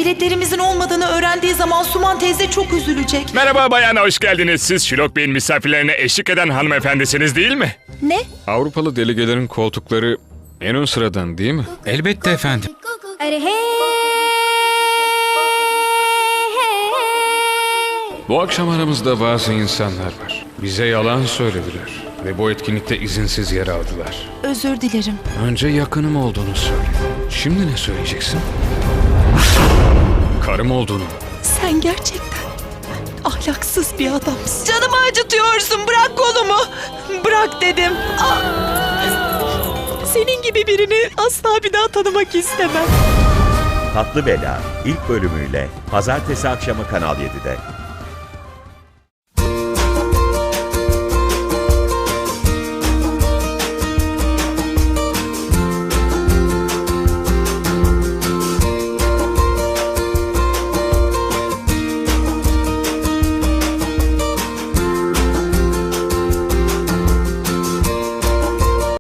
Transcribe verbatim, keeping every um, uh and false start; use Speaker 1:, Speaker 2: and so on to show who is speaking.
Speaker 1: Biletlerimizin olmadığını öğrendiği zaman Suman teyze çok üzülecek.
Speaker 2: Merhaba bayan, hoş geldiniz. Siz Şilok Bey'in misafirlerine eşlik eden hanımefendisiniz değil mi?
Speaker 1: Ne?
Speaker 3: Avrupalı delegelerin koltukları en ön sıradan değil mi?
Speaker 4: Elbette efendim.
Speaker 3: Bu akşam aramızda bazı insanlar var. Bize yalan söylediler ve bu etkinlikte izinsiz yer aldılar.
Speaker 1: Özür dilerim.
Speaker 3: Önce yakınım olduğunu söyle. Şimdi ne söyleyeceksin? Karım olduğunu.
Speaker 1: Sen gerçekten ahlaksız bir adamsın. Canımı acıtıyorsun. Bırak kolumu. Bırak dedim. Ah! Senin gibi birini asla bir daha tanımak istemem.
Speaker 5: Tatlı Bela ilk bölümüyle pazartesi akşamı Kanal yedide.